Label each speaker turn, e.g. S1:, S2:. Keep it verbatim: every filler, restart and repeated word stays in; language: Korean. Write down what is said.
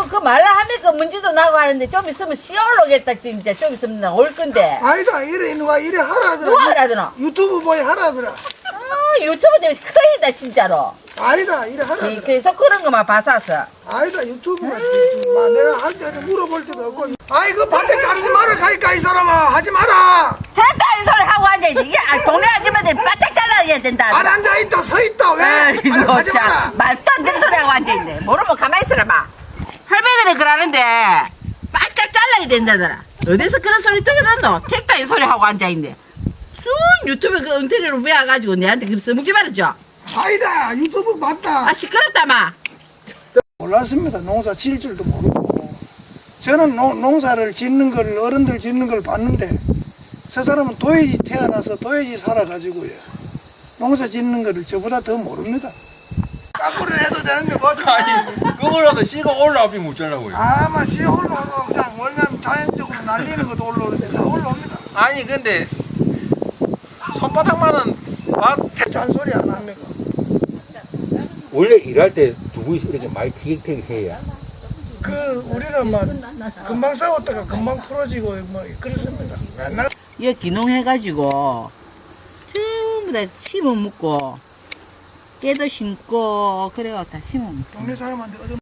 S1: 그, 그 말라 하면 그 먼지도 나고 하는데 좀 있으면 씨 올라오겠다, 진짜. 좀 있으면 올 건데.
S2: 아니다 이래 누가 이래 하라더라.
S1: 누가 하라더라?
S2: 유튜브 보여 하라더라.
S1: 아, 유튜브 때문에 큰일이다, 진짜로.
S2: 아니다 이래 하라더라.
S1: 그래서 그런 거만 봤었어.
S2: 아니다 유튜브가 막 내가 할 때 물어볼 때도 없고. 아이 그 밭에 자르지 마라 가니까 이 사람아 하지 마라.
S1: 됐다, 이 소리 하고 앉아있지. 이게 아, 동네 아줌마들 바짝 잘라야 된다.
S2: 안 앉아 있다 서 있다 왜?
S1: 아이고,
S2: 아니, 하지
S1: 참.
S2: 마라.
S1: 말도 안 되는 소리 하고 앉아있네. 모르면 가만히 있어라, 봐. 할머니들이 그러는데, 바짝 잘라야 된다더라. 어디서 그런 소리 들었노? 택다 이 소리 하고 앉아있네. 쑥 유튜브 그 엉터리로 외워가지고 내한테 그 써먹지 말았죠?
S2: 아니다 유튜브 맞다.
S1: 아, 시끄럽다, 마.
S2: 몰랐습니다. 농사 지을 줄도 모르고. 저는 농, 농사를 짓는 걸, 어른들 짓는 걸 봤는데, 저 사람은 도예지 태어나서 도예지 살아가지고요. 농사 짓는 거를 저보다 더 모릅니다. 까꾸를 해도 되는데 뭐죠?
S3: 아니 그거라도 씨가 올라오지 못하려고요.
S2: 아마 씨 올라오고 그냥 원래는 자연적으로 날리는 것도 올라오는데 다 올라옵니다.
S3: 아니 근데 손바닥만은 밭
S2: 잔소리 안 합니까?
S4: 원래 일할 때 두 분이서 이렇게 많이 티격태격해야.
S2: 그, 우리는 막 금방 싸웠다가 금방 풀어지고 뭐 그렇습니다. 맨날
S1: 이거 기농해가지고, 전부 다 심어 먹고, 깨도 심고, 그래가 다 심어 먹고.
S2: 동네 사람한테 얻어